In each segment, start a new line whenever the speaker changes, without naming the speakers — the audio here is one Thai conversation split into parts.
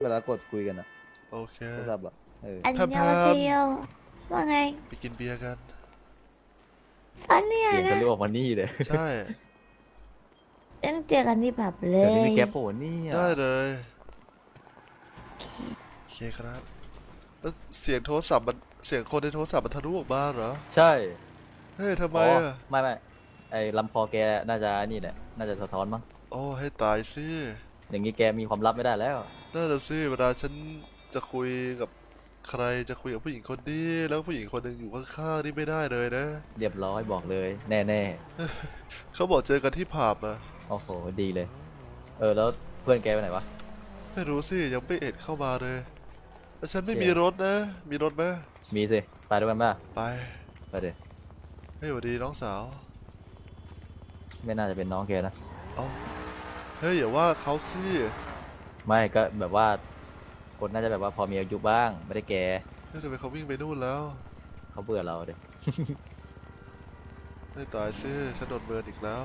เวลากดคุยกันอะ
โอเค
โทรศัพท์อะ
อัน
แพมแพ
ยองเซี
ม
ยวว่าไง
ไปกินเบียร์กัน
อันเนี้ย
เสียงทะ
นะ
ลุออกมานี่เลย
ใช่
เล่นเจอกันที่ผับเล
เดี๋ยวนี้มี
ย
แก๊ปโผล่นี่อ่ะ
ได้เลยโอเคครับแล้วเสียงโทรศัพท์มันเสียงคนในโทรศัพท์มันทะลุออกมาเหรอ
ใช่
เฮ้ยทำไม
อ๋อ
อ่ะ
ไม่ไอ้ลำคอแกน่าจะนี่แหละน่าจะสะท้อนมั้ง
โอ้ให้ตายสิ
อย่างนี้แกมีความลับไม่ได้แล้ว
น่าจะสิเวลาฉันจะคุยกับใครจะคุยกับผู้หญิงคนนี้แล้วผู้หญิงคนหนึ่งอยู่ข้างๆนี่ไม่ได้เลยนะ
เรียบร้อยบอกเลยแน่
เขาบอกเจอกันที่ผับอ่ะ
ๆโอ้โหดีเลยแล้วเพื่อนแกไปไหนวะ
ไม่รู้สิยังไม่เอ็ดเข้ามาเลยแล้วฉันไม่มี
เจ๊
รถนะมีรถไหม
มีสิไปด้วยกันป่ะ
ไป
ไปเดี๋ย
เฮ้ยสวัสดีน้องสาว
ไม่น่าจะเป็นน้องแกนะ
เอาเฮ้ยอย่าว่าเขาสิ
ไม่ก็แบบว่าคนน่าจะแบบว่าพอมีอายุบ้างไม่ได้แก่
เฮ้ยทำไมเขาวิ่งไปนู่นแล้ว
เขาเบื่อเราเด็
ไม่ตายสิฉันโดนเบิร์นอีกแล้ว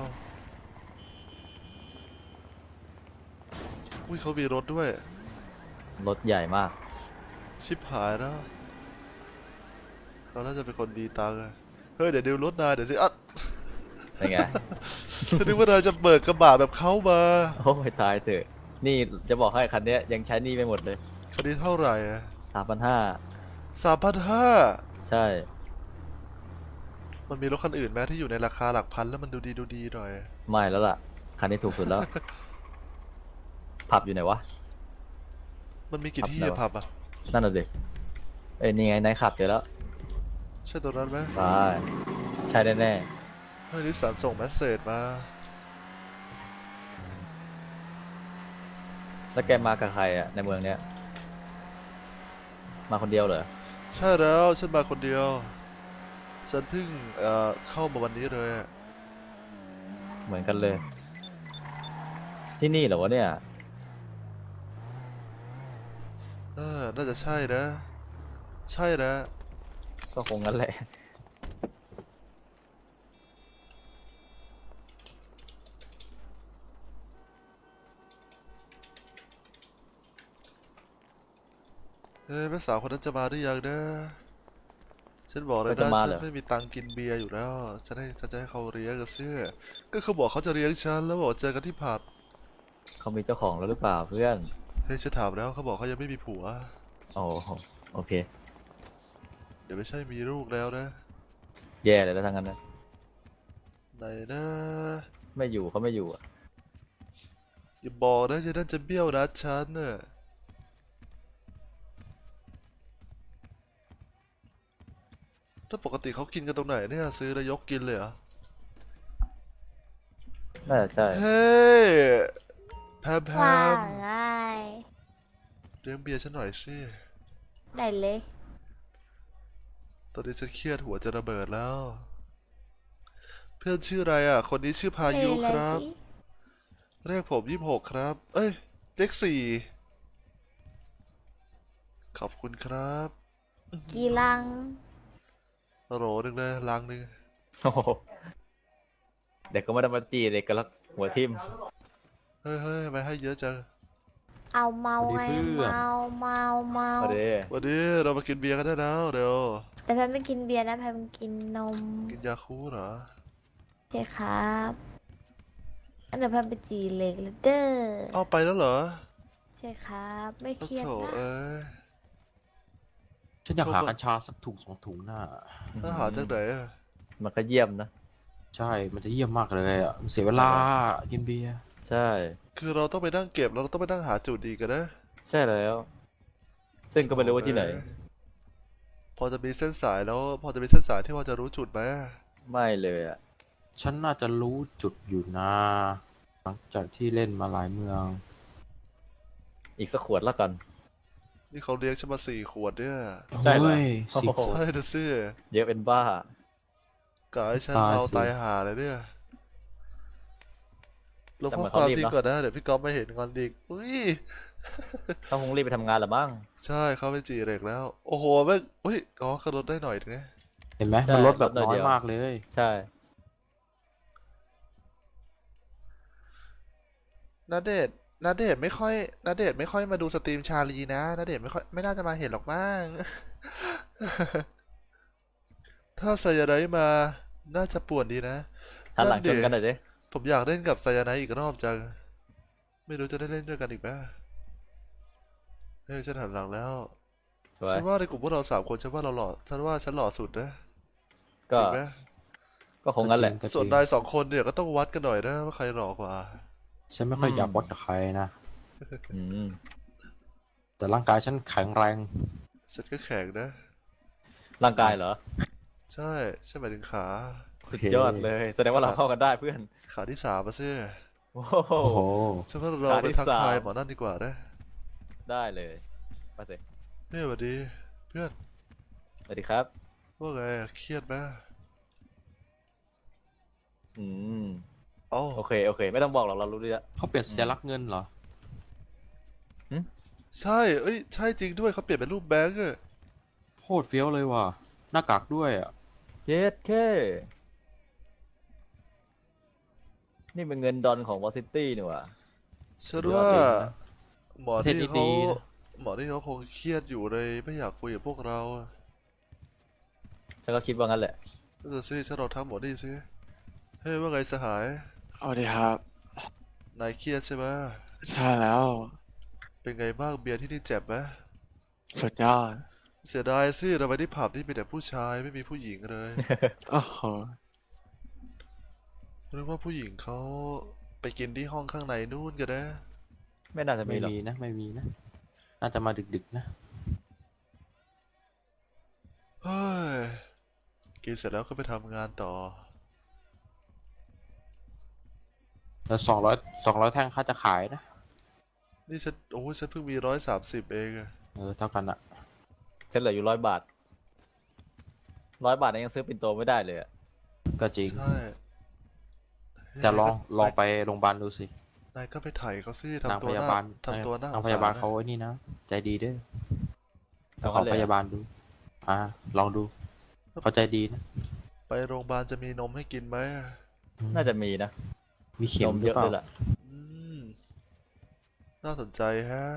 อุ้ยเขามีรถด้วย
รถใหญ่มาก
ชิบหายแล้วเขาน่าจะเป็นคนดีตังค์อะเฮ้ยเดี๋ยวดูรถนายเดี๋ยวสิอัด
เป็นไง
ฉันนึกว่านายจะเบิกกระบะแบบเขามา
โอ้ยตายเถอะนี่จะบอกให้คันเนี้ยยังใช้หนี่ไม่หมดเลย
คันนี้เท่าไหร่อะ
3,500
3,500
ใช่
มันมีรถคันอื่นไหมที่อยู่ในราคาหลักพันแล้วมันดูดีหน่อย
ไม่แล้วล่ะคันนี้ถูกสุดแล้วผับอยู่ไหนวะ
มันมีกี่
ผับไหนวะ
ที่อะผับอะ
นั่นน่ะดินี่ไงนายขับเจอแล้ว
ใช่ตัวนั้นไหม
ไปใช่แน่
เฮ้ยนิสสันส่งเมสเซจมา
ๆแล้วแกมากับใครอะในเมืองเนี้ยมาคนเดียวเหรอ
ใช่แล้วฉันมาคนเดียวฉันเพิ่งเข้ามาวันนี้เลยอะ
เหมือนกันเลยที่นี่เหรอวะเนี่ย
น่าจะใช่นะใช่นะ
ก็คงงั้นแหละ
แม่สาวคนนั้นจะมาหรือยังนะฉันบอกเล
ก็
ยนะฉัน
จะมาเหรอ
ไม่มีตังค์กินเบียร์อยู่แล้วฉันจะให้เขาเลี้ยงกับเสื้อก็เขาบอกเขาจะเลี้ยงฉันแล้วบอกเจอกันที่ผับ
เขามีเจ้าของแล้วหรือเปล่าเพื่อน
เฮ้ยฉันถามแล้วเขาบอกเขายังไม่มีผัว
โอ้โหโอเค
เดี๋ยวไม่ใช่มีลูกแล้วนะ
แย่เลยแล้วทั้งนั้นนะ
ไหนนะ
ไม่อยู่เขาไม่อยู่อะ
อย่าบอกนะจะนั่นจะเบี้ยวนัดฉันน่ะถ้าปกติเขากินกันตรงไหนเนี่ยซื้อแล้วยกกินเลยเหรอ
น่าจะใช่
เฮ้ยแพ
ว่า
ม
ไง
เลี้ยงเบียร์ฉันหน่อยสิ
ได้เลย
ตอนนี้ฉันเครียดหัวจะระเบิดแล้ว เพื่อนชื่ออะไรอ่ะ คนนี้ชื่อพายุ
เลยเลย
ครับ
สิ
เรียกผม26ครับ เอ้ยเลข4ขอบคุณครับ
กี่ลัง
โหลหนึ่งเลยลังหนึ่ง
โอ้โหเด็กก็ไม่ได้มาจีเด็กก็แล้วหัวทิ่ม
เฮ้ยทำไมให้เยอะจัง
เอาเมา
สวัสดี
ไง
เพื่อน
เมา
เอาเด
วันนี้เรามากินเบียร์กันได้แล้วเดี๋ยว
แต่แพมไม่กินเบียร์นะแพมกินนม
กินยาคูเหรอ
ใช่ครับอันเดี๋ยวแพมไปจีเล็กแล้วเด้อ
เอาไปแล้วเหรอ
ใช่ครับไม่เครียด
โถ
นะ
เอ้ย
ฉันอยาก
โชค
หากัญชาสักถุงสองถุงน่ะ
ถ้าหาจากไหนอ่ะ
มันก็เยี่ยมนะ
ใช่ มันจะเยี่ยมมากเลยอ่ะมันเสียเวลากินเบียร์
ใช่
คือเราต้องไปนั่งเก็บแล้วเราต้องไปนั่งหาจุดดีกันนะ
ใช่แล้วซึ่งก็ไม่รู้ว่าที่ไหน
พอจะมีเส้นสายแล้วพอจะมีเส้นสายที่พอจะรู้จุดไหม
ไม่เลยอ่ะ
ฉันน่าจะรู้จุดอยู่นะหลังจากที่เล่นมาหลายเมือง
อีกสักขวดละกัน
นี่เขาเลี้ยงฉันมา4 ขวดเนี่ย
ใช่เหรอ
เฮ้ยสี่
โอ้โห
ขวด
ใช่นะสิ
เยอะเป็นบ้าก
ะให้ฉัน
ตาย
เอา
สิ
ตายหาเลยเนี่ยลบ
แต่
ข้
เห
อ
มือน
ควา
เขา
ม
รีบ
ทิ้ง
เนาะ
ก่อนนะเดี๋ยวพี่ก๊อฟไม่เห็นงอนอีกอุ้ย
เขาคงรีบไปทำงานละมั้ง
ใช่เขาไปจีเร็กแล้วโอ้โหแม่งอุ้ยอ๋อขับรถได้หน่อยนึงนะ
เห็นไหม
ใช่
มันลดแบบ
ลดหน่อย
น้อ
เดี
ย
ยว
มากเลย
ใช่
ณเดชน์ณเดชน์ไม่ค่อยณเดชน์ไม่ค่อยมาดูสตรีมชาลีนะณเดชน์ไม่น่าจะมาเห็นหรอกมั้ง ถ้าไซยาไนท์มาน่าจะป่วนดีนะ
หันหลังช
ดิ
นกันหน่อยดิ
ผมอยากเล่นกับไซยาไนท์อีกรอบจัง ไม่รู้จะได้เล่นด้วยกันอีกไหมเฮ้ยฉันหันหลังแล้ว
สวย
ฉันว่าในกลุ่มพวกเราสามคนฉันว่าเราหล่อฉันว่าฉันหล่อสุดนะ
ก็
จริงไหม
ก็คงงั้นแหละ
ก็จริง
ส่วนนายสองคนเนี่ยก็ต้องวัดกันหน่อยนะว่าใครหล่อกว่า
ฉันไม่ค่อยอยากวัดกับใครนะ
อืม
แต่ร่างกายฉันแข็งแรง
ฉันก็แข็งนะ
ร่างกายเหรอ
ใช่ฉันหมายถึงขา
สุดยอดเลย แสดงว่าเราเข้ากันได้เพื่อน
ขาที่สามมาซิ
โอ้โห
โอ้โห
ฉันว่าเรา
ขา
ไป
ที่
ทักทาย
สาม
หมอนั่นดีกว่านะ
ได้เลยมาสิ
เนี่ยสวัสดี เพื่อน
สวัสดีครับ
ว่าไงเครียดไหม
อืม
เอ้า
โอเค โอเค ไม่ต้องบอกหรอกเรารู้ดีแล้ว
เขาเปลี่ยนสัญลักษณ์เงินเหรอ
ใช่ เอ้ย ใช่จริงด้วยเขาเปลี่ยนเป็นรูปแบงก์อะ
โคตรเฟี้ยวเลยว่ะ หน้ากากด้วยอ่ะ
เย็ดแค่นี่เป็นเงินดอลของวอซิตี้นี่หว่า
ฉันว่า
เดี๋ยวจริงนะ
หมอ
ประเทศ
ที่
นี้
เขา
ดีนะ
หมอที่เขาคงเครียดอยู่เลยไม่อยากคุยกับพวกเรา
ฉันก็คิดว่างั้นแหละ
นั่นนะสิฉันลองทักหมอนี่สิเฮ้ยว่าไงสหาย
สวัสดีครับ
นายเครียดใช่ไหม
ใช่แล้ว
เป็นไงบ้างเบียร์ที่นี่เจ็บไหม
สุดยอด
เสียดายสิเราไปที่ผับที่มีแต่ผู้ชายไม่มีผู้หญิงเลย
โอ้โห
หรือว่าผู้หญิงเขาไปกินที่ห้องข้างในนู่นกันนะ
ไม่น่าจะมี
ไม่
หรอก
มีนะ ไม่มีนะ น่าจะมาดึกๆนะ
เฮ้ย กินเสร็จแล้วก็ไปทำงานต่อ
แล้ว200แท่งค่าจะขายนะ
นี่ฉันโอ้ยฉันเพิ่งมี130เองอะ
เท่ากันอะ
ฉันเหลืออยู่100 บาท100 บาทเนี่ยยังซื้อปิ่นโตไม่ได้เลยอะ
ก็จริง
ใช่
แต่ลอง
นาย
ไปโรงพยาบาลดูสิ
นายก็ไปถ่ายเขาซิ
นาง
ทำตั
พ
วห
ยา
น้า
บาล
ทำตัวหน้า
นาง
ส
พ
งสร
ยาบาล
นะ
เขาไอ้นี่นะ ใจดีเด้อ
เอา
ขอ
งั้นเลย
พ
อะ
ยาบาลดู ลองดู เขาใจดีนะ
ไปโรงพยาบาลจะมีนมให้กินไหม
น่าจะมีนะ
มีเข็
น
ม
ม
ห
เย
รือ
อะ
เปล่า
เลยล่ะ
อืม น่าสนใจฮะ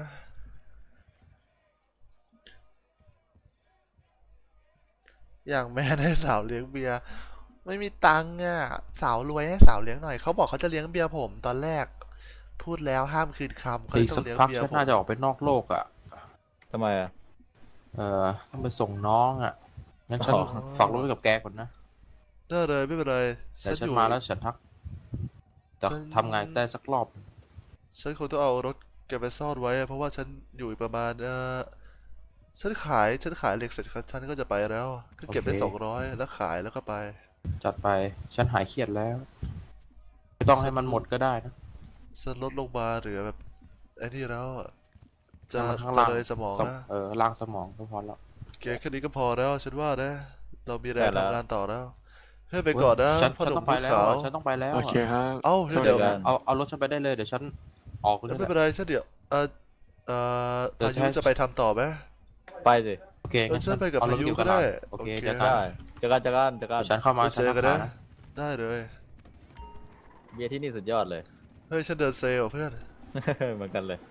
อย่างแม่ให้สาวเลี้ยงเบียร์ไม่มีตังค์อ่ะ สาวรวยให้สาวเลี้ยงหน่อย เขาบอกเขาจะเลี้ยงเบียร์ผมตอนแรก พูดแล้วห้ามคืนคำก็เล
อี
ย
ก
ต้อ
สั
ง
ก
เลี้ยง
พัก
เบียร์
ฉัน
ผม
น่าจะออกไปนอกโลกอ่ะ
ทำไมอะ
ต้องไปส่งน้องอ่ะ งั้นฉัน
อ๋อ
ฝากรถไว้กับแกก่อนนะ
ได้เลยไม่เป็นไร
เดี๋ยวฉัน
อยู่
มาแล้วฉันทัก จะ
ฉัน
ทำงานได้สักรอบ
ฉันคงต้องเอารถแกไปซ่อนไว้อะเพราะว่าฉันอยู่อีกประมาณฉันขายเหล็กเสร็จครับฉันก็จะไปแล้ว ก็เก็บได้
โอเค
200แล้วขายแล้วก็ไป
จัดไป ฉันหายเครียดแล้ว ไม่ต้องให้มันหมดก็ได้นะ
ฉันลดลงมาเหลือแบบไอ้นี่แล้วอะจะ
ให้มันข้าง
จะ
ล่าง
เลยสมองนะ
ล่างสมองก็พอแล้ว
แกแค่นี้ก็พอแล้วฉันว่านะ เรามีแรง
ใช่แล้ว
ทำงานต่อแล้วเฮ้ยไปก่อนนะ
ฉัน
พ่อหนุ่
ต้อ
ม
งไป
ผู้
แล้ว
ขาว
ฉันต้องไปแล้ว
โอเคครับ
เอ้า
ช่วย
เดี๋ยว
กัน
เอารถฉันไปได้เลย เดี๋ยวฉันออกเลย
ไม่
แห
เป็น
ละ
ไรฉันเดี๋ยว
เดี๋ยว
พายุ
ให้
จะไปทำต่อไหม
ไปสิ
โอเคงั้น
ฉันไปกับ
เอารถ
พายุ
อยู่
ก็ได้
โอเค
โอเค
เจอกัน
ได้เจอกันเจอกันเจอกัน
เดี๋ยวฉันเข้ามา
ไปเจอกันนะ
ฉัทักหา
ได้เลย
เบียร์ที่นี่สุดยอดเลย
เฮ้ยฉันเดินเซลล์อะเพื่อน
เหมือนกันเลย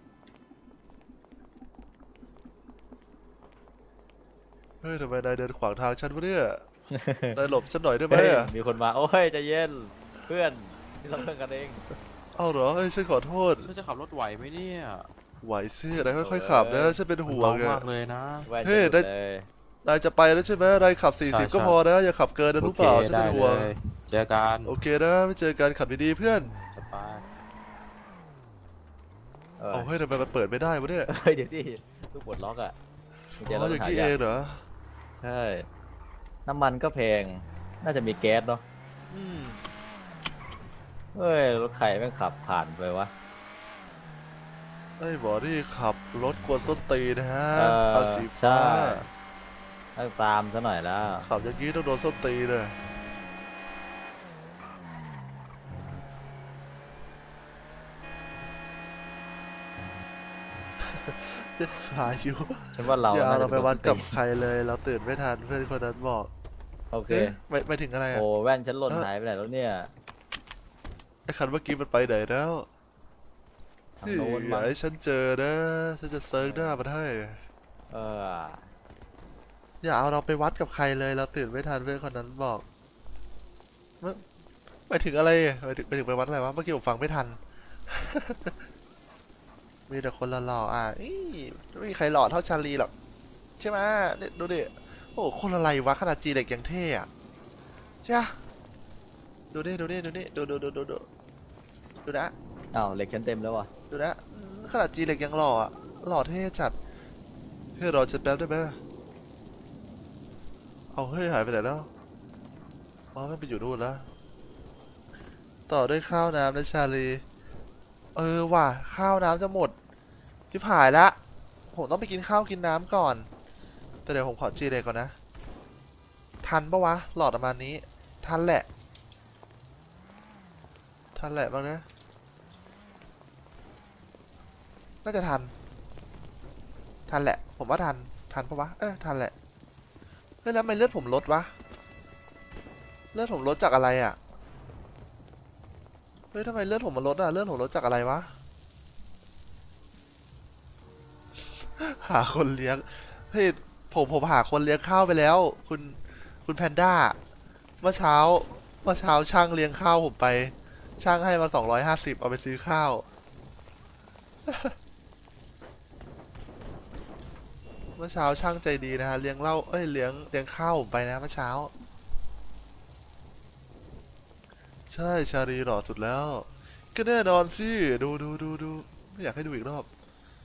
เฮ้ยทำไมนายเดินขวางทางฉันวะเนี่ย นายหลบฉันหน่อยได้ไหม
เฮ้ย
อะ
มีคนมา โอ้ยใจเย็น เพื่อนที่เราเพื่อนกันเอง
เอ้าเหรอเฮ้ยฉันขอโทษ
ฉันจะขับรถไหวไหมเนี่ย
ไหวซินายค่อยๆขับนะฉันเป็นห่ว
เบาง
อะ
มากเลยนะ
แว่น
เฮ้ย
จะหลุ
ได้
เลย
นายจะไปแล้วใช่ไหมนายขับ
ใช่
40 ก็
ใช่
พอนะ อย่าขับเกินนะ
โอ
รู้
เค
เปล่าฉัน
ได้
เป็น
เล
ห่วง
ย เจอกัน
โอเคนะไม่เจอกันขับดีๆเพื่อน
จะไป
เอาเฮ้ยทำไมมันเปิดไม่ได้วะเนี่ย
เฮ้ยเดี๋ยวที่ลูกปลดล็อกอ่ะกุญแจ
อ๋
เรา
ออ
ต้อย่าง
นี้
หายา
เอก งเหรอ
ใช่ น้ำมันก็แพง น่าจะมีแก๊สเนาะ
อืม
เฮ้ย รถใครแม่งขับผ่านไปวะ
ไอ้บอที่ขับรถกวนส้นตีนนะฮะ
เออ
คันสีฟ้า
ใช่ ต้องตามซะหน่อยแล้ว
ขับอย่างนี้ต้องโดนส้นตีนเลย พายุ
ฉันว่าเรา
อย่าเอา
น่
เรา
จะ
ไปวัดกับ
คน
ใครเลยเราตื่นไม่ทันเพื่อนคนนั้นบอก
โอเค
เอ๊ะไม่ถึงอะไรอ่ะ
โอ้แว่นฉันหล่นหายไปไหนแล้วเนี่ย
ไอ้คันเมื่อกี้มันไปไหนแล้ว
ทางโน้น
อย่า
มั้ง
ให้ฉันเจอนะฉันจะเซิร์ฟหน้ามันให้
เออ
อย่าเอาเราไปวัดกับใครเลยเราตื่นไม่ทันเพื่อนคนนั้นบอกหมายถึงอะไรหมายถึงไปวัดอะไรวะเมื่อกี้ผมฟังไม่ทัน มีแต่คนหล่อๆไม่มีใครหล่อเท่าชาลีหรอกใช่ไหมเนี่ยดูดิโอ้โหคนอะไรวะขนาดจีเด็กยังเท่อะใช่ปะดูดิดูนะ
อ้าวเหล็กฉันเต็มแล้วว่ะ
ดูนะขนาดจีเด็กยังหล่ออะหล่อเท่จัดเฮ้ยรอจะแป๊บได้ไหมเอาเฮ้ยหายไปไหนแล้วอ๋อมันไปอยู่นู่นแล้วต่อด้วยข้าวน้ำนะชาลีว่ะข้าวน้ำจะหมดที่ผายละผมต้องไปกินข้าวกินน้ำก่อนแต่เดี๋ยวผมขอจีเด็กก่อนนะทันปะวะหลอดประมาณนี้ทันแหละบ้างนะน่าจะทันแหละผมว่าทันปะวะทันแหละเฮ้ยแล้วทำไมเลือดผมลดวะเลือดผมลดจากอะไรอ่ะเฮ้ยทำไมเลือดผมมันลดอ่ะเลือดผมลดจากอะไรวะ หาคนเลี้ยงเฮ้ยผมหาคนเลี้ยงข้าวไปแล้ว คุณแพนด้าเมื่อเช้าช่างเลี้ยงข้าวผมไป ช่างให้มา250เอาไปซื้อข้าว เมื่อเช้าช่างใจดีนะฮะเลี้ยงเหล้าเลี้ยงข้าวผมไปนะเมื่อเช้า ใช่ชาลีหล่อสุดแล้ว ก็แน่นอนสิดูไม่อยากให้ดูอีกรอบ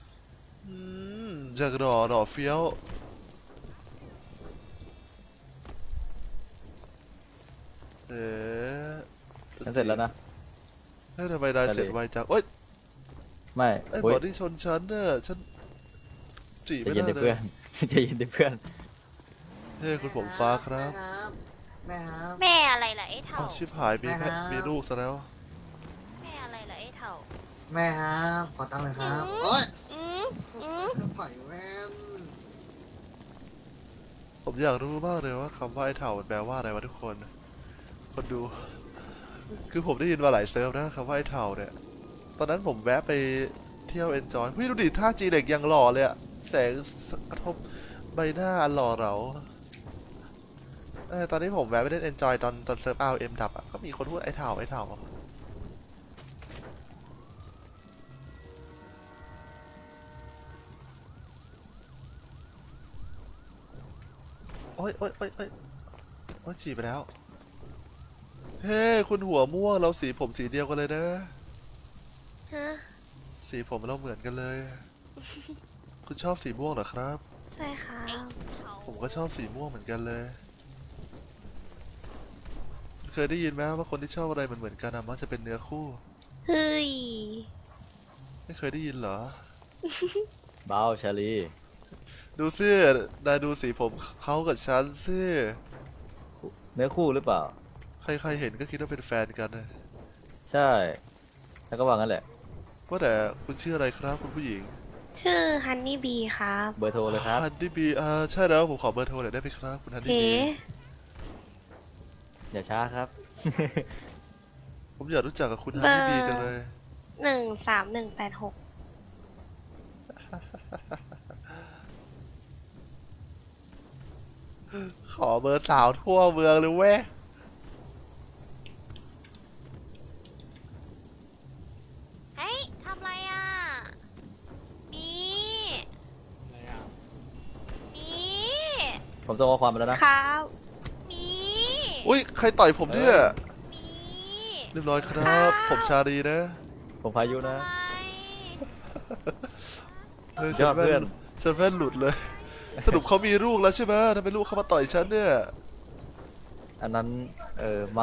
จากหล่อเฟี้ยวเอ๊ะ
ฉันเสร็จแล้วนะ
เฮ้ยทำไมนายเสร็จไวจังโอ๊ย
ไม่
ไอ้
โอ้
บ
ย
อดี้ชนฉันเนี่ยฉันจีบ
ใจ
ไม่
เย็น
ได้
ดิ
เล
เพื่อย น ใจเย็นดิเพื่อน
เฮ้ยคุณผมฟ้าครับ
แม่ครับ
แม่อะไรล่ะไอ้เถ่า
อ้าวชิบหายมีลูกซะแล้ว
แม่อะไรล่ะไอ้เถ่า
แม่ครับขอตังค์หน่อยครับโอ๊ย
อืม
ปล่อยแว่น
ผมอยากรู้มากเลยว่าคำว่าไอ้เถ่ามันแปลว่าอะไรวะทุกคนดู คือผมได้ยินมาหลายเซิร์ฟนะคำว่าไอ้เถ่าเนี่ยตอนนั้นผมแวะไปเที่ยวเอนจอยพี่ดูดิท่าจีเด็กยังหล่อเลยอะแสงกระทบใบหน้าอันหล่อเหลาตอนนี้ผมแวะไปเล่นเอนจอยตอนเซิร์ฟRMดับอะก็มีคนพูดไอ้เถ่าโอ๊ยจีบไปแล้ว เฮ้คุณหัวม่วงเราสีผมสีเดียวกันเลยนะ
ฮะ
สีผมเราเหมือนกันเลย คุณชอบสีม่วงเหรอครับ
ใช่ค่ะ
ผมก็ชอบสีม่วงเหมือนกันเลย เคยได้ยินไหมว่าคนที่ชอบอะไรเหมือนกันมักจะเป็นเนื้อคู่
เฮ้ย
ไม่เคยได้ยินเหรอ
เบาชาลี
ดูซินายดูสีผมเขากับฉันซิ
เนื้อคู่หรือเปล่า
ใครๆเห็นก็คิดว่าเป็นแฟนกันนะ
ใช่ แล้วก็ว่างั้นแหละ
ว่าแต่คุณชื่ออะไรครับคุณผู้หญิง
ชื่อฮันนี่บีครับ
เบอร์โทรเลยครับ
ฮันดี้บีใช่แล้วผมขอเบอร์โทรหน่อยได้ไหมครับคุณฮันดี้
เอ๋
บี
อย่าช้าครับ
ผมอยากรู้จักกับคุณฮันดี้บีจังเลย
13186
ขอเบอร์สาวทั่วเมืองเลยเว้ย
เฮ้ยทำไรอ่ะมีมี
ผมส่งข้อความไปแล้วนะ
ครับมี
อุ้ยใครต่อยผมเนี่ย
มี
เรียบร้อยครับ ผมชาดีนะ
ผมพายุนะ
ทำไม
เฮ้ย
ย
ฉั
อน ด
แว่
เพื่อน
นฉันแว่นหลุดเลย สรุปเขามีลูกแล้วใช่ไหมทำไมลูกเขามาต่อยฉันเนี่ย
อันนั้น มั้ง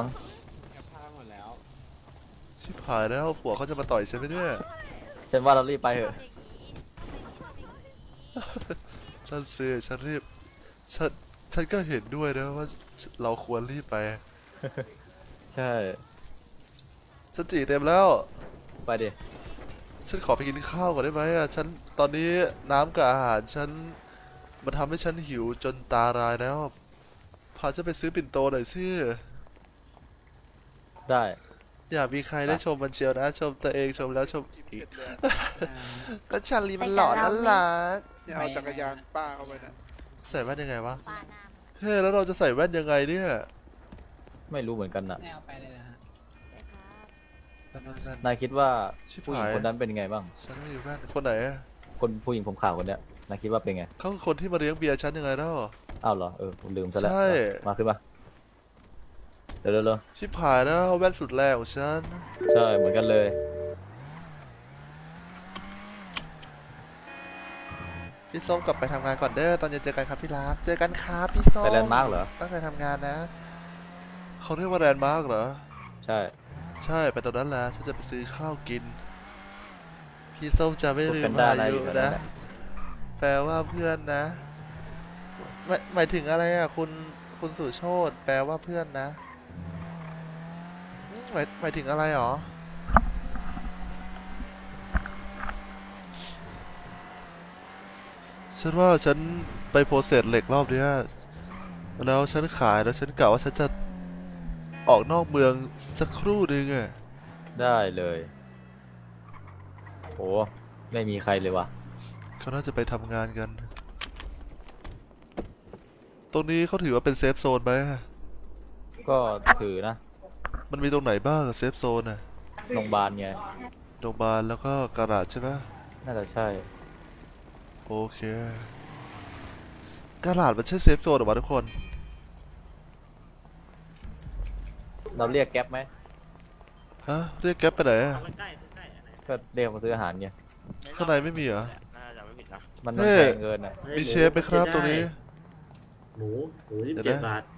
ชิบหายแล้วผัวเขาจะมาต่อยฉันไหมเนี่ย
ฉันว่าเรารีบไปเถอะ
นั่นสิฉันรีบฉันก็เห็นด้วยนะว่าเราควรรีบไป
ใช่
ฉันจีเต็มแล้ว
ไปดิ
ฉันขอไปกินข้าวก่อนได้ไหมอ่ะฉันตอนนี้น้ำกับอาหารฉันมันทำให้ฉันหิวจนตารายแล้ว พาฉันไปซื้อปิ่นโตหน่อยสิ
ได้
อยากมีใครได้ชมมันเชียวนะ ชมตัวเองชมแล้วชมอีก ก็ชาลีมันหล่อน่ารัก
เนี่ยเอาจักรยานป้าเข้าไปนะ
ใส่แว่นยังไงวะ
ปาหน้า
เฮ้ยแล้วเราจะใส่แว่นยังไงเนี่ย
ไม่รู้เหมือนกันน่ะ
ไม่เอาไปเลยนะฮะ
เลยครับ
แว่นแว่น
นายคิดว่า
ชิบ
ผู้หญิ
หาง ย
คนนั้นเป็นไงบ้าง
ฉันไม่มีแว่นคนไหนอะ
คนผู้หญิงผมขาวคนเนี้ยนายคิดว่าเป็นไง
เขาคือคนที่มาเลี้ยงเบียร์ฉันยังไงเล่า
อ้าวเหรอผมลืมซะแล้ว
ใช่
มาขึ้นมาเร็ว
ชิบหายแล้วแว่นสุดแรงของฉัน
ๆใช่เหมือนกันเลย
พี่ส้มกลับไปทำงานก่อนเด้อตอนเย็นเจอกันครับพี่รักเจอกันครับพี่ส้ม
ไปแลนด์มาร์กเหรอ
ตั้งใจทำงานนะเขาเรียกว่าแลนด์มาร์กเหรอ
ใช่
ใช่ไปตรงนั้นแหละฉันจะไปซื้อข้าวกิน พี่ส้มจะไม่ลื
พู
ม
ดกันได้
อา
นะ
ยุ
อยู่แถวนั้
นะ
นแหละ
แปลว่าเพื่อนนะหมายถึงอะไรอ่ะคุณสุโชตแปลว่าเพื่อนนะหมายถึงอะไรหรอฉันว่าฉันไปโปรเซสเหล็กรอบเนี้ยแล้วฉันขายแล้วฉันกะว่าฉันจะออกนอกเมืองสักครู่หนึงอ่ะ
ได้เลยโอ้ไม่มีใครเลยว่ะ
เขาน่าจะไปทำงานกัน ตรงนี้เขาถือว่าเป็นเซฟโซนไหม
ก็ถือนะ
มันมีตรงไหนบ้างเซฟโซนอ่ะ
โรงพยาบาลไง
โรงพยาบาลแล้วก็กระดาษใช่ไหม
น่าจะใช่
โอเคกระดาษมันใช่เซฟโซนหรอวะทุกคน
เราเรียกแก๊ปไหม
ฮะ เรียกแก๊ปไปไหนอะ
ก็เรียกมาซื้ออาหารไง
ข้างในไม่มีเหรอ
มัน
เฮ้
แพงเกินอ่ะ
มีเชฟไหมครับตรงนี้
หมู
เดี๋ยว
27
นะ
บาท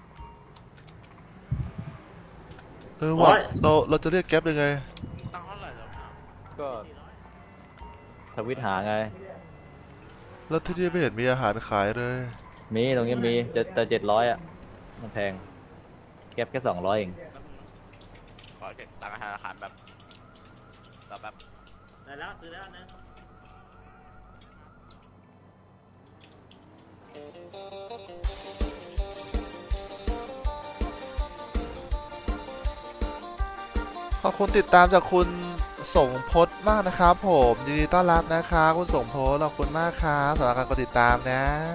ว่ะ
โอ๊ย
เราจะเรียกแก๊ปยังไง
ก็ทวิตหาไง
แล้วที่นี่ไม่เห็นมีอาหารขายเลย
มีตรงนี้มีจะ700อ่ะมันแพงแก๊ปแค่200เอง
ขอเก็บตังค์ธนาคารแบบรอแป๊บ
ได้แล้วซื้อแล้วนะ
ขอบคุณติดตามจากคุณสงพจน์มากนะครับผมยินดีต้อนรับนะคะคุณสงพจน์ขอบคุณมากครับสำหรับการกดติดตามนะ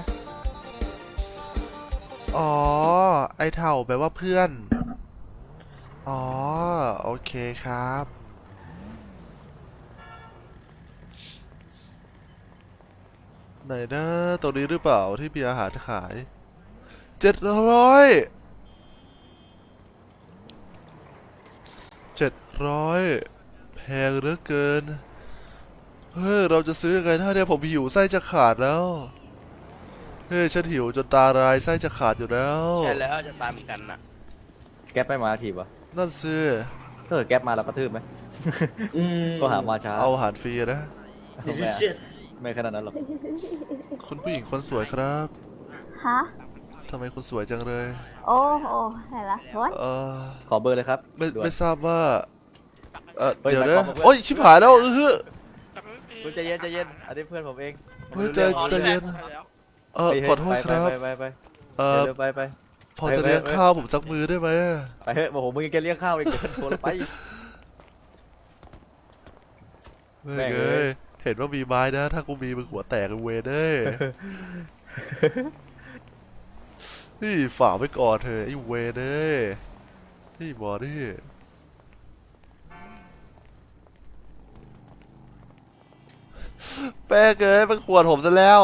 อ๋อ ไอเถ่าแปลว่าเพื่อน อ๋อ โอเคครับ ไหนนะตรงนี้หรือเปล่าที่มีอาหารขาย700 แพงเหลือเกิน เฮ้ย เราจะซื้อยังไงถ้าเนี่ยผมหิวไส้จะขาดแล้ว เฮ้ย ฉันหิวจนตาลายไส้จะขาดอยู่แล้ว
ใช่แล้วจะตามเหมือนกันน่ะ
แก๊ปไม่มาทีวะ
นั่นสิ
ถ้าเกิดแก๊ปมาเรากระทืบไหม ก็หามาช้า
เอาอาหารฟรีนะ
ไม่ขนาดนั้นหรอก
คุณผู้หญิงคนสวยครับ
ฮะ
ทำไมคุณสวยจังเลย
โอ้โหไหนละโอ้ย
ขอเบอร์เลยครับ
ไม่
ด่วน
ไม่ทราบว่า
เฮ้ย
เดี๋ยว
หมาย
นะ
ความว่าเพื่อน
โอ้ย ชิบหายแล้ว
คุณใจเย็นอันนี้เพื่อนผมเอง
เฮ้ยใจเย็น
เฮ้ย
ขอโทษครับ
ไป
เออ
เดี๋ยวไป
พอจะเลี้ยงข้าวผมสักมือได้ไหม
ไปเฮ้ยโอ้โหมึงยังแกเลี้ยงข้าวอีกเดี๋ยวโทรไป
เฮ้
แม่
ย
ง
เอ้
เอ้
ย
ย
เห็นว่ามีไม้นะ ถ้ากูมีมึงหัวแตกเวยเด้ยนี่ฝากไว้ก่อนเถอะไอ้เวยเด้ยนี่บอดี้แป้งเอ้ยมันขวดผมซะแล้ว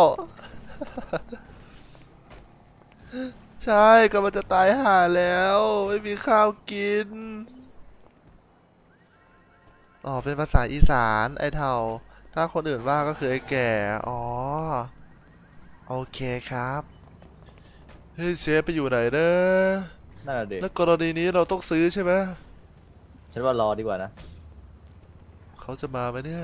ใช่ก็มันจะตายห่าแล้ว ไม่มีข้าวกิน อ๋อ เป็นภาษาอีสานไอ้เท่า ถ้าคนอื่นว่าก็คือไอ้แก่ อ๋อ โอเคครับ เฮ้ยเชฟไปอยู่ไหนเด้อ
นั่นแหละเด็ก
แล้วกรณีนี้เราต้องซื้อใช่ไหม
ฉันว่ารอดีกว่านะ
เขาจะมาไหมเนี่ย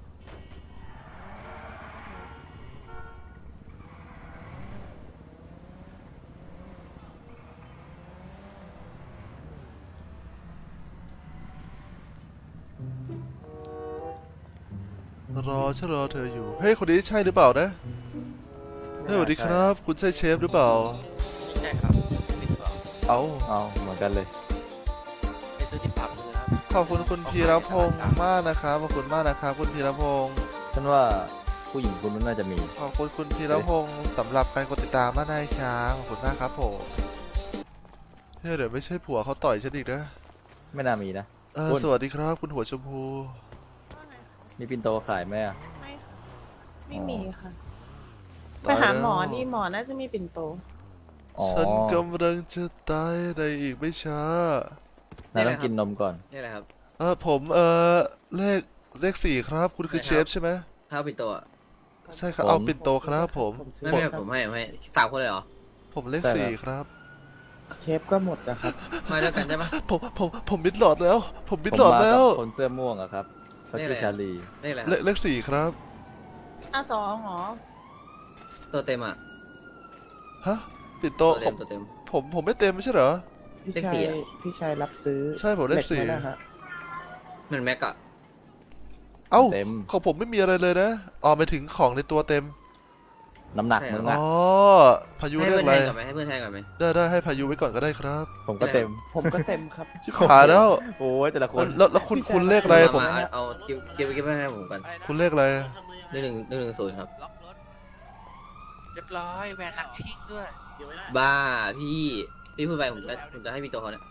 ฉันรอเธออยู่ เฮ้ย คนนี้ใช่หรือเปล่านะ เฮ้ยสวัสดีครับ คุณใช่เชฟหรือเปล่า
ใช่ครับ12
เอา
เอาเหมือนกันเลย
เป็นตัวที่ปรับเลยครับ
ขอบคุณคุณพีรพงศ์มากนะครับขอบคุณมากนะครับคุณพีรพงศ์
ฉันว่าผู้หญิงคนนั้นน่าจะมี
ขอบคุณคุณพีรพงศ์สำหรับการกดติดตามมากนะครับขอบคุณมากครับผมเฮ้ยเดี๋ยวไม่ใช่ผัวเขาต่อยฉันอีกนะ
ไม่น่ามีนะ คุณ
สวัสดีครับคุณหัวชมพู
มีปินโตขายไหมอะ
ไม่มีค่ะ
ตาย
ไปหาหมอ
แล้ว
นี่หมอน่าจะมีปิ่นโต
อ๋อ
ฉันกำลังจะตายในอีกไม่ช้า
นายต้องกินนมก่อน
นี่แหละครับ
ผมเลข4ครับคุณคือเชฟใช่ไหม
ข้าวปิ่นโตอ่ะ
ใช่ครับ
ผม
เอาปิ่นโตครับผม
ไม่ไม่ผมให้3 คนเลยเหรอ
ผมเลข
ใช่ครับ
4ครับ
เชฟก็หมดนะครับ
มาด้วยกันใช่ปะ
ผมมิดหลอดแล้ว ผมมิด
ผม
หลอด
มา
แล้
กั
ว
บคนเสื้อม่วงอะครับเขาชื่อ
นี่แหละ
ชาลี
นี่แหละ
เลข4ครับ
2หรอ
ตัวเต็มอ่ะ
ฮะปิ่นโต
ตัวเต็ม
ผมไม่เต็มไม่ใช่เหรอ
พี่
เลข
ชา
สี่
ย
อะ
พี่ชายรับซื้อ
ใช่ผมเลข
หกมาแล้วฮะ
เหมือนแม็กอะ
เอ้า
เต็ม
ของผมไม่มีอะไรเลยนะไปถึงของในตัวเต็ม
น้ำหนักมึง
อ๋
อะ
อพายุ
ให้
เรีย
เพื่
ก
อน
อะไร
แทนก่อนไหมให้เพื่อนแทนก่อนไหม
ได้ให้พายุไว้ก่อนก็ได้ครับ
ผมก็เต็ม
ผมก็เต็มครับ
ชิบหายแล้ว
โอ้ยแต่ละคน
แล้วคุณเลขอะไรผม
มาเอาคิวให้ผมกัน
คุณเลขอะไร
110ครับ
ล็อกรถ เรียบร้อยแวนนักชิ่งด้วย
บ้าพี่พูดไปผมจะให้มีตัวเขาเนี่ย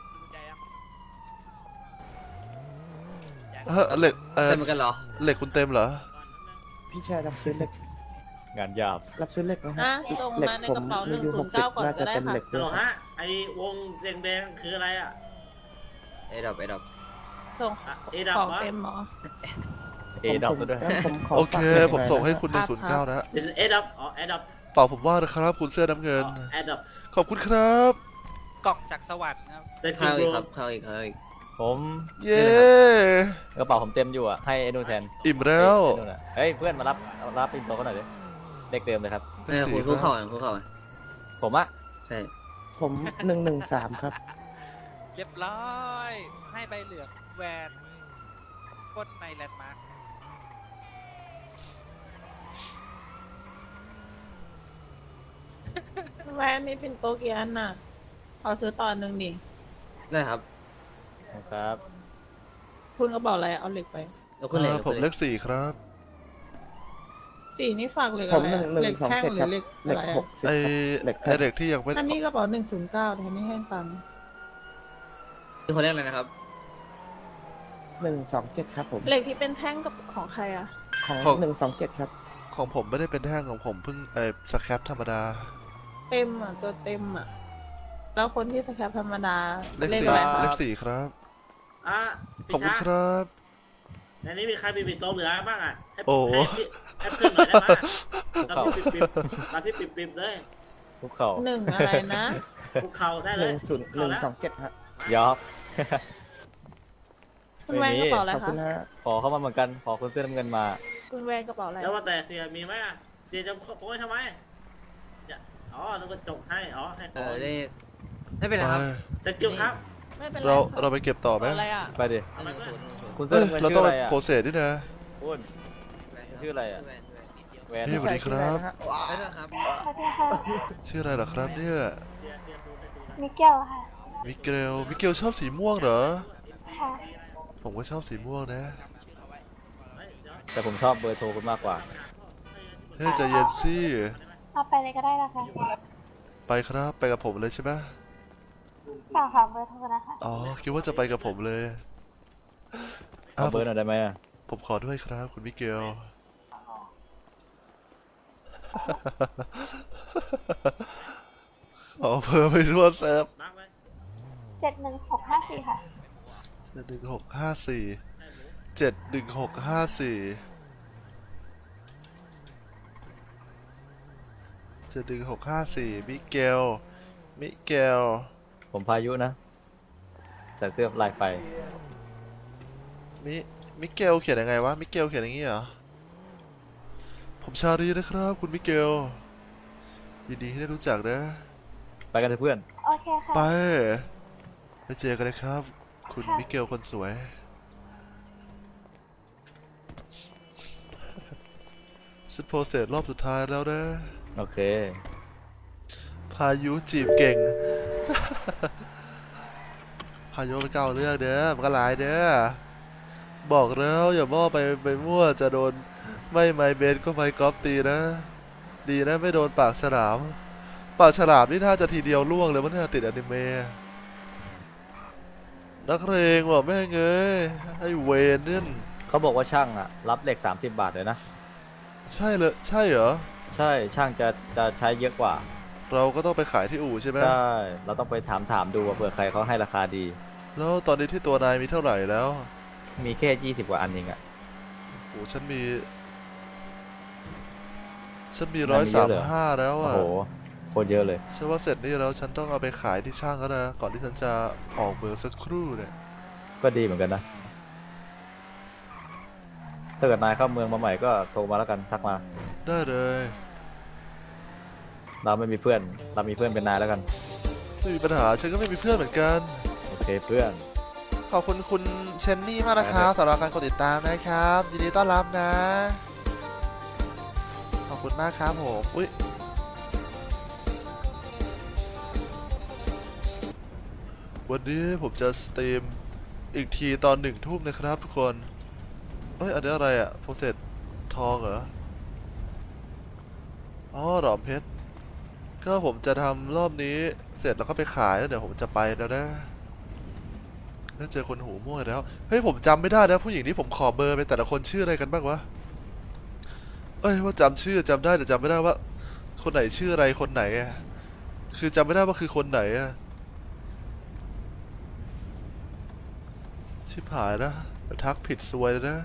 เหล็ก
เต็มเหมือนกันเหรอ
เหล็กคุณเต็มเหรอ
พี่ชายรับซื้อเหล็ก
งานหยาบ
รับซื้อเหล็กไหมฮะ
ส่ง
เหล็ก
มาใน
ผม
กระเป๋า
อายุ
109 ก่อน
น่า
ก็
จะ
ได้
เป็น
ค่ะ
เหล็ก
ฮั
ด้
ล
ว
โหล
ยครับ
ฮะ ไอวงแดงๆคืออะไรอ่ะ
ไอ้ดอก
ส่ง
เอดับ
ของ
วะ
เต็มหมอ
เอดอกด้วย
ผมขอ
โอเค
ฝาก
ผมส่งให้คุณ
หน่อย
109 นะ
This is เอดับอ๋อเอดับ
เปล่าผมว่านะครับ คุณเสื้อน้ำเงิน
เอดับ
ขอบคุณครับ
กล่องจากสวรรค์ครับ
ได้กิน
ข้าว
โป
อี
ร
กครับข้าวอีก
ผม
เย้
กระเป๋าผมเต็มอยู่อะให้ไอ้นู่นแทน
อิ่มแล้ว
ไอ้นู่นอะเฮ้ยเพื่อนมารับปินโตเขาหน่อยดิเลขเดิมเลยครับ
เลข
คุ
สี่
ณ
ค
คู่
รั
เข่า
บ
คู่เข่า
ผมอะ
ใช่
ผม113ครับ
เรียบร้อย ให้ใบเหลืองแวนก้นในแลนด์มาร์ค
แวนมีปิ่นโตกี่อันน่ะขอซื้อต่อหนึ่งดิ
ได้ครับ
ครับ
คุณกระเป๋าอะไรเอาเหล็กไป
แล้วคุณเหล็ก
ผมเลข4ครับ
สีนี่ฝากเหล็ก
ผ
อะ
ม
ไรอะเหล็กแท่ง
127
ห
ค
รื
รั
อบ เหล็ก
เหล็
อะ
ก
ไรอะ
60
ไอ
ครับเหล็ก
ไอเด็กที่ยังไม่
อันนี้กระเป๋า109แต่ไม่ให้ตังค์
คือคนแรกเลยนะครับ
127ครับผม
เหล็กที่เป็นแท่งกับของใครอะ
ของ127ครับ
ของผมไม่ได้เป็นแท่งของผมเพิ่งสแครปธรรมดา
เต็มอะตัวเต็มอะแล้วคนที่สแคปธรรมดา
เลข
ข
4
อะไร
เล
คะ
ข4ครับ
อ่ะ
ขอบคุณครับ
ในนี้มีใครมีปิ่นโตเหลือบ้างอ่ะให้
โอ้
ให้เพื่อนหน่อยได้ไหมตอนที่ปิบเลย
ทุกเข่า
หนึ่งอะไรนะ
คุกเข่าได้เลยคุกเข่าแล้ว
127ครับ
ยอก
คุณแวนกระเป๋าอะไร
ขอบ
คะ
คุณฮะ
ขอเข้ามาเหมือนกัน ขอคนเสื้อน้ำเงินมา
คุณแวนกระเป๋าอะไร
แล้วว่าแต่เสียมีไหมอ่ะเสียจะโป้ยทำไมอ๋อนึกว่าจบให้อ๋อให้ขอ
เลขไม่เป็นไรครับ
แต่เกี่ยวครับ
ไม่เป็นไร
เราไปเก็บต่อไหม
กระเป๋าอะไรอะ
ไปดิ
110
คุณเสื้อน้ำเงิน
เรา
ชื่
ต้อ
อง อะไร
ไป
อะ
โปรเซสด้วยนะ
คุณชื่ออะไรอะแวน
นี่สวัสดีครับ
ได้ด้วยครับ
ชื่ออะไรเหรอครับเนี่ย
มิเกลค่ะ
มิเกลชอบสีม่วงเหรอ
ค่ะ
ผมก็ชอบสีม่วงนะ
แต่ผมชอบเบอร์โทรคุณมากกว่า
เฮ้ยใจเย็นสิ
เอาไปเลยก็ได้นะคะ
ไปครับไปกับผมเลยใช่ไหม
ฝากค่ะเบอร์โทรนะคะ
อ๋อคิดว่าจะไปกับผมเลย
เอาเบอร์หน่อยได้ไหมอะ
ผมขอด้วยครับคุณมิเกล ขอเบอร์ไปทั่วเซิร์ฟ
71654ค่ะ
71654 มิเกล
ผมพายุนะ ใส่เสื้อลายไฟ
มิเกลเขียนยังไงวะ มิเกลเขียนอย่างงี้เหรอ ผมชาลีนะครับ คุณมิเกลยินดีที่ได้รู้จักนะ
ไปกันเถอะเพื่อน
โอเคค่ะ
ไปเจอกันเลยครับ คุณมิเกลคนสวย ฉันโพสเสร็จรอบสุดท้ายแล้วนะ
โอเค
พายุจีบเก่ง พายุมันเก่าเรื่องเด้อมันก็หลายเด้อบอกแล้วอย่ามั่วไปมั่วจะโดนไม่ไมเบนก็ไมกอล์ฟตีนะ ดีนะไม่โดนปากฉลามนี่น่าจะทีเดียวล่วงเลยมันน่าติดอนิเมะนักเรงว่ะแม่งเอ้ยไอ้เวนนี่
เขาบอกว่าช่างอะรับเหล็ก30 บาทเลยนะ
ใช่เลยใช่เหรอ
ใช่ช่างจะใช้เยอะกว่า
เราก็ต้องไปขายที่อู่ใช่ไหม
ใช่เราต้องไปถามดูว่าเผื่อใครเขาให้ราคาดี
แล้วตอนนี้ที่ตัวนายมีเท่าไหร่แล้ว
มีแค่20 กว่าอันเองอะ
โอ้ฉันมี
นายมีเยอะเหรอ
135แล้ว
โอ้
อ่ะ
โหโคตรเยอะเลย
ใช่ว่าเสร็จนี่แล้วฉันต้องเอาไปขายที่ช่างแล้วนะก่อนที่ฉันจะออกเบอร์สักครู่เนี่ย
ก็ดีเหมือนกันนะถ้าเกิดนายเข้าเมืองมาใหม่ก็โทรมาแล้วกันทักมา
ได้เลย
เราไม่มีเพื่อนเรามีเพื่อนเป็นนายแล้วกัน
ไม่มีปัญหาฉันก็ไม่มีเพื่อนเหมือนกัน
โอเคเพื่อน
ขอบคุณคุณเชนนี่มากนะครับสำหรับการกดติดตามนะครับยินดีต้อนรับนะ ขอบคุณมากครับผมอุ๊ยวันนี้ผมจะสตรีมอีกทีตอน1 ทุ่มนะครับทุกคนเอ้ยอันนี้อะไรอะโปรเซสทองเหรออ๋อหลอมเพชรก็ผมจะทำรอบนี้เสร็จแล้วก็ไปขายแล้วเดี๋ยวผมจะไปแล้วนะแล้วเจอคนหูมั่วแล้วเฮ้ยผมจำไม่ได้นะผู้หญิงที่ผมขอเบอร์ไปแต่ละคนชื่ออะไรกันบ้างวะเอ้ยว่าจำชื่อจำได้แต่จำไม่ได้ว่าคนไหนชื่ออะไรคนไหนอะคือจำไม่ได้ว่าคือคนไหนอะชิบหายนะเดี๋ยวทักผิดซวยเลยนะ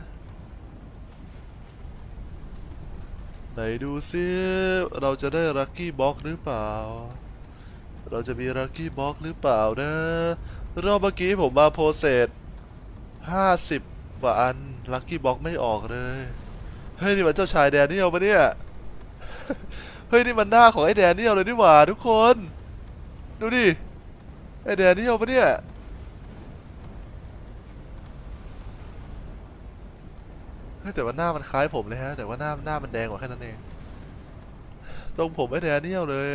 ไหนดูซิเราจะได้ลัคกี้บ็อกหรือเปล่าเราจะมีลัคกี้บ็อกหรือเปล่านะรอบเมื่อกี้ผมมาโพเซส50 กว่าอันลัคกี้บ็อกไม่ออกเลยเฮ้ยนี่มันเจ้าชายแดเนียลปะเนี่ย เฮ้ยนี่มันหน้าของไอ้แดเนียลเลยนี่หว่าทุกคนดูดิไอ้แดเนียลปะเนี่ยเฮ้ยแต่ว่าหน้ามันคล้ายผมเลยฮะแต่ว่าหน้ามันแดงกว่าแค่นั้นเองตรงผมไอ้แดเนียลเลย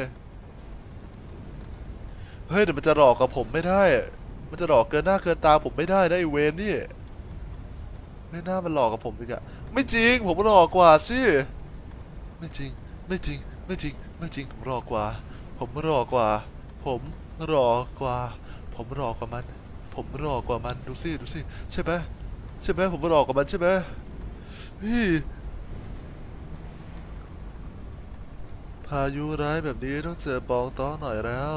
เฮ้ยแต่มันจะหลอกกับผมไม่ได้มันจะหลอกเกินหน้าเกินตาผมไม่ได้นะไอ้เวนนี่ไม่น่ามันหลอกกับผมอีกอะไม่จริงผมหลอกกว่าสิไม่จริงไม่จริงไม่จริงไม่จริงผมหลอกกว่าผมหลอกกว่าผมหลอกกว่าผมหลอกกว่ามันผมหลอกกว่ามันดูสิดูสิใช่ไหมใช่ไหมผมหลอกกว่ามันใช่ไหมพี่พายุร้ายแบบนี้ต้องเจอปองต้องหน่อยแล้ว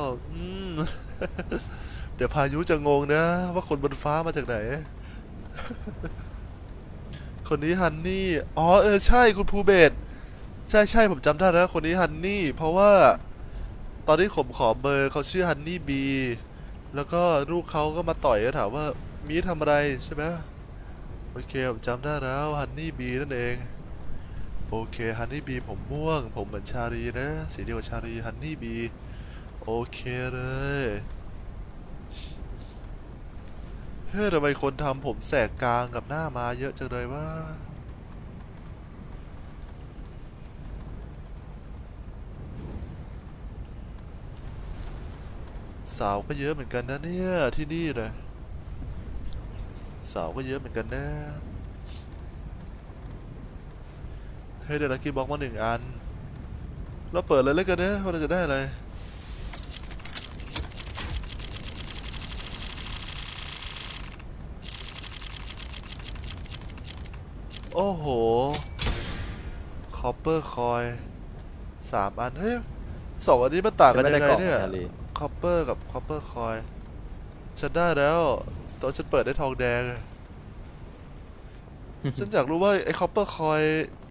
เดี๋ยวพายุจะงงนะว่าคนบนฟ้ามาจากไหน คนนี้ฮันนี่อ๋อใช่คุณภูเบศใช่ผมจำได้แล้วคนนี้ฮันนี่เพราะว่าตอนที่ผมขอเบอร์เขาชื่อฮันนี่บีแล้วก็ลูกเขาก็มาต่อยแล้วถามว่ามีทำอะไรใช่ไหมโอเคผมจำได้แล้วฮันนี่บีนั่นเองโอเคฮันนี่บีผมม่วงผมเหมือนชาลีนะสีเดียวกับชาลีฮันนี่บีโอเคเลยเฮ้ยทำไมคนทำผมแสกกลางกับหน้ามาเยอะจังเลยวะสาวก็เยอะเหมือนกันนะเนี่ยที่นี่เลยสาวก็เยอะเหมือนกันนะเฮ้ยได้ลัคกี้บ็อกมา1 อันเราเปิดเลยแล้วกันนะว่าเราจะได้อะไรโอ้โหคอปเปอร์คอย3 อันเฮ้ย2 อันนี้มันต่างกันยังไงเนี่ยคอปเปอร์กับคอปเปอร์คอยฉันได้แล้วตอนฉันเปิดได้ทองแดง ฉันอยากรู้ว่าไอ้คอปเปอร์คอย